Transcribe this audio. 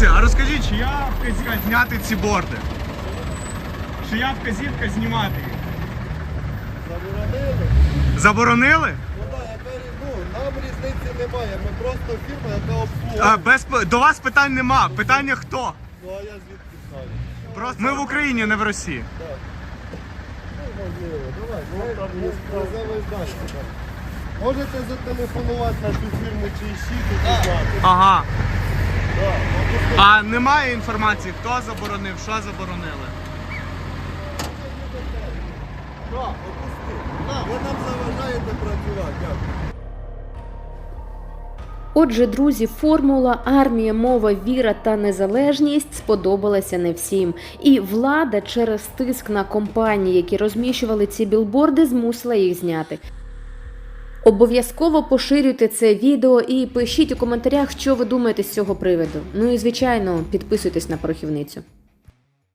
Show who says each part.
Speaker 1: Друзі, а розкажіть, чия вказівка зняти ці борди? Чия вказівка знімати їх?
Speaker 2: Заборонили?
Speaker 1: Заборонили?
Speaker 2: Ну так, нам різниці немає, ми просто фірма, яка обслуговує.
Speaker 1: До вас питань нема. Питання хто?
Speaker 2: Ну а я звідки знаю?
Speaker 1: Просто ми в Україні, не в Росії.
Speaker 2: Так. Ну, можливо, давай, веземо далі. Можете зателефонувати на цю фірму чи щит і знати.
Speaker 1: Ага.
Speaker 2: Так,
Speaker 1: А немає інформації, хто заборонив, що заборонили?
Speaker 2: так, опусти. Ви нам заважаєте працювати, дякую.
Speaker 3: Отже, друзі, формула «армія, мова, віра та незалежність» сподобалася не всім. І влада через тиск на компанії, які розміщували ці білборди, змусила їх зняти. Обов'язково поширюйте це відео і пишіть у коментарях, що ви думаєте з цього приводу. Ну і, звичайно, підписуйтесь на Порохівницю.